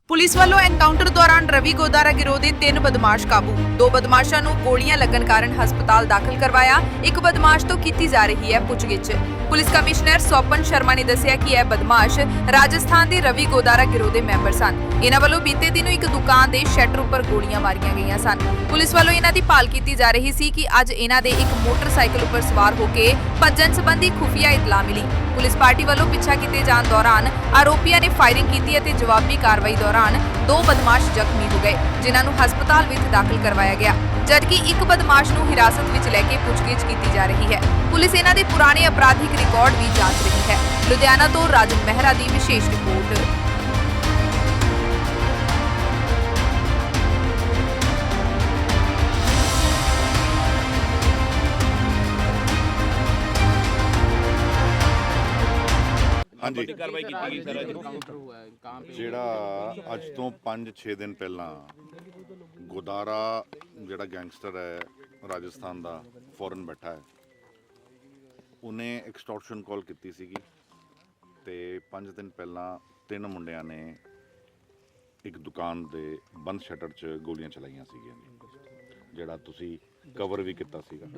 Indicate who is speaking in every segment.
Speaker 1: Police ਵੱਲੋਂ encounter ਦੌਰਾਨ ਰਵੀ ਗੋਦਾਰਾ ਗਿਰੋਹ ਦੇ 3 ਬਦਮਾਸ਼ ਕਾਬੂ। 2 ਬਦਮਾਸ਼ਾਂ ਨੂੰ ਗੋਲੀਆਂ ਲੱਗਣ ਕਾਰਨ ਹਸਪਤਾਲ ਦਾਖਲ ਕਰਵਾਇਆ। ਇੱਕ ਬਦਮਾਸ਼ ਤੋਂ ਕੀਤੀ ਜਾ ਰਹੀ ਹੈ ਪੁੱਛਗਿੱਛ। ਪੁਲਿਸ ਕਮਿਸ਼ਨਰ ਸੋਪਨ ਸ਼ਰਮਾ ਨੇ ਦੱਸਿਆ ਕਿ ਇਹ ਬਦਮਾਸ਼ ਰਾਜਸਥਾਨ ਦੇ ਰਵੀ ਗੋਦਾਰਾ ਗਿਰੋਹ ਦੇ ਮੈਂਬਰ ਸਨ। ਇਹਨਾਂ ਵੱਲੋਂ ਬੀਤੇ ਦਿਨ ਇੱਕ ਦੁਕਾਨ ਦੇ ਸ਼ਟਰ ਉੱਪਰ ਗੋਲੀਆਂ ਮਾਰੀਆਂ ਗਈਆਂ ਸਨ। ਪੁਲਿਸ ਵੱਲੋਂ ਇਹਨਾਂ ਦੀ ਭਾਲ ਕੀਤੀ ਜਾ ਰਹੀ ਸੀ ਕਿ ਅੱਜ ਇਹਨਾਂ ਦੇ ਇੱਕ ਮੋਟਰਸਾਈਕਲ ਉੱਪਰ ਸਵਾਰ ਹੋ ਕੇ ਭੱਜਣ ਸੰਬੰਧੀ ਖੁਫੀਆ ਇਤਲਾਹ ਮਿਲੀ। ਪੁਲਿਸ ਪਾਰਟੀ ਵੱਲੋਂ ਪਿੱਛਾ ਕੀਤੇ ਜਾਣ ਦੌਰਾਨ ਆਰੋਪੀਆਂ ਨੇ ਫਾਇਰਿੰਗ ਕੀਤੀ ਅਤੇ ਜਵਾਬੀ ਕਾਰਵਾਈ ਦੌਰਾਨ 2 ਬਦਮਾਸ਼ ਜ਼ਖਮੀ ਹੋ ਗਏ, ਜਿਨ੍ਹਾਂ ਨੂੰ ਹਸਪਤਾਲ ਵਿੱਚ ਦਾਖਲ ਕਰਵਾਇਆ ਗਿਆ, ਜਦਕਿ ਇੱਕ ਬਦਮਾਸ਼ ਨੂੰ ਹਿਰਾਸਤ ਵਿੱਚ ਲੈ ਕੇ ਪੁੱਛਗਿੱਛ ਕੀਤੀ ਜਾ ਰਹੀ ਹੈ। ਪੁਲਿਸ ਇਹਨਾਂ ਦੇ ਪੁਰਾਣੇ ਅਪਰਾਧਿਕ ਰਿਕਾਰਡ ਵੀ ਜਾਂਚ ਰਹੀ ਹੈ। ਲੁਧਿਆਣਾ ਤੋਂ ਰਾਜਨ ਮਹਿਰਾ ਦੀ ਵਿਸ਼ੇਸ਼ ਰਿਪੋਰਟ।
Speaker 2: ਹਾਂਜੀ ਕਾਰਵਾਈ ਕੀਤੀ ਗਈ ਸਰ। ਜਿਹੜਾ ਅੱਜ ਤੋਂ 5-6 ਦਿਨ ਪਹਿਲਾਂ ਗੋਦਾਰਾ ਜਿਹੜਾ ਗੈਂਗਸਟਰ ਹੈ ਰਾਜਸਥਾਨ ਦਾ ਫੋਰਨ ਬੈਠਾ ਹੈ, ਉਹਨੇ ਐਕਸਟੋਰਸ਼ਨ ਕਾਲ ਕੀਤੀ ਸੀਗੀ ਤੇ 5 ਦਿਨ ਪਹਿਲਾਂ 3 ਮੁੰਡਿਆਂ ਨੇ ਇੱਕ ਦੁਕਾਨ ਦੇ ਬੰਦ ਸ਼ਟਰ 'ਚ ਗੋਲੀਆਂ ਚਲਾਈਆਂ ਸੀਗੀਆਂ, ਜਿਹੜਾ ਤੁਸੀਂ ਕਵਰ ਵੀ ਕੀਤਾ ਸੀਗਾ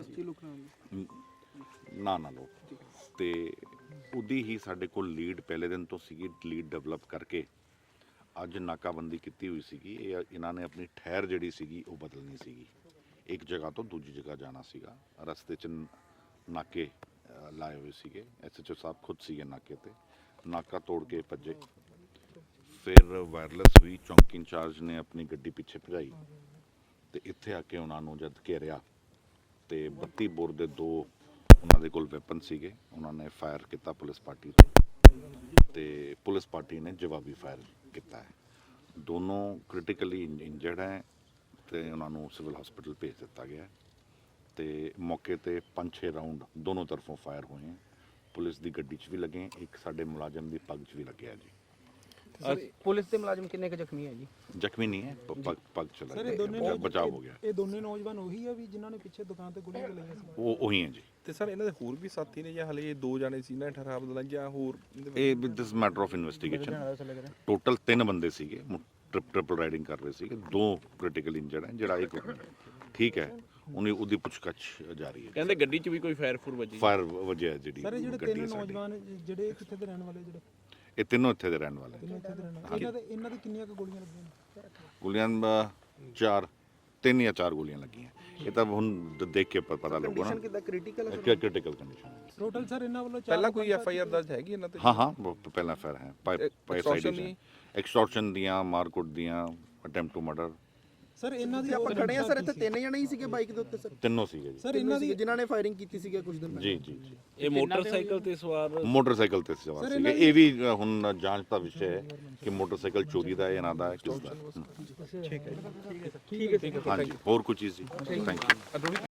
Speaker 2: ਨਾ ਲੋ। ਤੇ ਉਹਦੀ ਹੀ ਸਾਡੇ ਕੋਲ ਲੀਡ ਪਹਿਲੇ ਦਿਨ ਤੋਂ ਸੀਗੀ, ਲੀਡ ਡਿਵੈਲਪ ਕਰਕੇ ਅੱਜ ਨਾਕਾਬੰਦੀ ਕੀਤੀ ਹੋਈ ਸੀਗੀ। ਇਹਨਾਂ ਨੇ ਆਪਣੀ ਠਹਿਰ ਜਿਹੜੀ ਸੀਗੀ ਉਹ ਬਦਲਣੀ ਸੀਗੀ, ਇੱਕ ਜਗ੍ਹਾ ਤੋਂ ਦੂਜੀ ਜਗ੍ਹਾ ਜਾਣਾ ਸੀਗਾ। ਰਸਤੇ 'ਚ ਨਾਕੇ ਲਾਏ ਹੋਏ ਸੀਗੇ, SHO ਸਾਹਿਬ ਖੁਦ ਸੀਗੇ ਨਾਕੇ ਤੇ, ਨਾਕਾ ਤੋੜ ਕੇ ਭੱਜੇ। ਫਿਰ ਵਾਇਰਲੈਸ ਵੀ ਚੌਂਕੀ ਇੰਚਾਰਜ ਨੇ ਆਪਣੀ ਗੱਡੀ ਪਿੱਛੇ ਭਜਾਈ ਤੇ ਇੱਥੇ ਆ ਕੇ ਉਹਨਾਂ ਨੂੰ ਜਦ ਘੇਰਿਆ ਤੇ 32 ਬੋਰ ਦੇ 2 ਉਹਨਾਂ ਦੇ ਕੋਲ ਵੈਪਨ ਸੀਗੇ। ਉਹਨਾਂ ਨੇ ਫਾਇਰ ਕੀਤਾ ਪੁਲਿਸ ਪਾਰਟੀ ਤੇ ਪੁਲਿਸ ਪਾਰਟੀ ਨੇ ਜਵਾਬੀ ਫਾਇਰ ਕੀਤਾ ਹੈ। ਦੋਨੋਂ ਕ੍ਰਿਟੀਕਲੀ ਇੰਜਰਡ ਹੈ ਤੇ ਉਹਨਾਂ ਨੂੰ ਸਿਵਲ ਹਸਪੀਟਲ ਭੇਜ ਦਿੱਤਾ ਗਿਆ ਤੇ ਮੌਕੇ ਤੇ 5-6 ਰਾਉਂਡ ਦੋਨੋਂ ਤਰਫੋਂ ਫਾਇਰ ਹੋਏ हैं। ਪੁਲਿਸ ਦੀ ਗੱਡੀ 'ਚ ਵੀ ਲੱਗੇ, ਇੱਕ ਸਾਡੇ ਮੁਲਾਜ਼ਮ ਦੀ ਪੱਗ 'ਚ ਵੀ ਲੱਗਿਆ ਜੀ।
Speaker 3: ਪੁਲਿਸ ਦੇ ਮੁਲਾਜ਼ਮ ਕਿੰਨੇ ਕੁ ਜ਼ਖਮੀ ਹੈ ਜੀ?
Speaker 2: ਜ਼ਖਮੀ ਨਹੀਂ ਹੈ, ਪੱਗ ਚਲਾ ਗਿਆ, ਬਚਾਅ ਹੋ ਗਿਆ।
Speaker 4: ਇਹ ਦੋਨੇ ਨੌਜਵਾਨ ਉਹੀ ਆ ਵੀ ਜਿਨ੍ਹਾਂ ਨੇ ਪਿੱਛੇ ਦੁਕਾਨ ਤੇ ਗੋਲੀਆਂ ਚਲਾਈਆਂ ਸੀ?
Speaker 2: ਉਹ ਉਹੀ ਹੈ ਜੀ।
Speaker 5: ਤੇ ਸਰ ਇਹਨਾਂ ਦੇ ਹੋਰ ਵੀ ਸਾਥੀ ਨੇ ਜਾਂ ਹਲੇ ਇਹ 2 ਜਾਣੇ ਸੀ ਨਾ ਠਹਿਰਾਵ ਬਦਲਾਂ ਜਾਂ ਹੋਰ?
Speaker 2: ਇਹ this matter of investigation. Total 3 ਬੰਦੇ ਸੀਗੇ, ਟ੍ਰਿਪਲ ਰਾਈਡਿੰਗ ਕਰ ਰਹੇ ਸੀਗੇ। 2 ਕ੍ਰਿਟੀਕਲ ਇੰਜਰਡ ਹੈ, ਜਿਹੜਾ ਇੱਕ ਠੀਕ ਹੈ, ਉਹਦੀ ਪੁੱਛਗਿੱਛ ਜਾਰੀ ਹੈ।
Speaker 5: ਕਹਿੰਦੇ ਗੱਡੀ 'ਚ ਵੀ ਕੋਈ ਫਾਇਰ ਵੱਜੀ
Speaker 2: ਵਜਿਆ ਜਿਹੜੀ
Speaker 4: ਸਰ ਇਹ ਜਿਹੜੇ 3 ਨੌਜਵਾਨ ਜਿਹੜੇ ਕਿੱਥੇ ਦੇ ਰਹਿਣ ਵਾਲੇ ਜਿਹੜੇ?
Speaker 2: ਇਹ ਤਿੰਨੋਂ ਇੱਥੇ ਦੇ ਰਹਿਣ ਵਾਲੇ।
Speaker 4: ਇਹਨਾਂ ਦੀ ਕਿੰਨੀਆਂ ਕੁ ਗੋਲੀਆਂ ਲੱਗੀਆਂ ਨੇ?
Speaker 2: ਗੋਲੀਆਂ 3 ਜਾਂ 4 ਗੋਲੀਆਂ ਲੱਗੀਆਂ। ਇਹ ਤਾਂ ਹੁਣ ਦੇਖ ਕੇ ਪਤਾ ਲੱਗੂਗਾ ਨਾ।
Speaker 3: ਕਿੰਨਾ critical
Speaker 2: critical condition.
Speaker 4: Total sir ਇਹਨਾਂ ਵੱਲੋਂ
Speaker 5: ਪਹਿਲਾਂ ਕੋਈ FIR ਦਰਜ ਹੈਗੀ ਇਹਨਾਂ ਤੇ?
Speaker 2: ਹਾਂ ਪਹਿਲਾਂ ਫਾਇਰ ਹੈ, ਐਕਸਟੋਰਸ਼ਨ ਦੀਆਂ, ਮਾਰਕੁੱਟ ਦੀਆਂ, ਅਟੈਂਪਟ ਟੂ ਮਰਡਰ।
Speaker 4: ਸਰ ਇਹਨਾਂ ਦੀ
Speaker 3: ਆਪਾਂ ਖੜੇ ਆ ਸਰ, ਇੱਥੇ 3 ਜਣੇ ਹੀ ਸੀਗੇ ਬਾਈਕ ਦੇ ਉੱਤੇ ਸਰ?
Speaker 2: ਤਿੰਨੋਂ ਸੀਗੇ ਜੀ।
Speaker 4: ਸਰ ਇਹਨਾਂ ਦੀ
Speaker 3: ਜਿਨ੍ਹਾਂ ਨੇ ਫਾਇਰਿੰਗ ਕੀਤੀ ਸੀਗੇ ਕੁਝ ਦਿਨ ਪਹਿਲਾਂ?
Speaker 2: ਜੀ
Speaker 5: ਇਹ ਮੋਟਰਸਾਈਕਲ ਤੇ ਸਵਾਰ
Speaker 2: ਸੀਗੇ। ਇਹ ਵੀ ਹੁਣ ਜਾਂਚ ਦਾ ਵਿਸ਼ਾ ਹੈ ਕਿ ਮੋਟਰਸਾਈਕਲ ਚੋਰੀ ਦਾ ਹੈ, ਇਹਨਾਂ ਦਾ ਕਿਸ ਦਾ।
Speaker 3: ਠੀਕ ਹੈ
Speaker 2: ਹਾਂਜੀ, ਹੋਰ ਕੋਈ ਚੀਜ਼ ਜੀ? Thank you.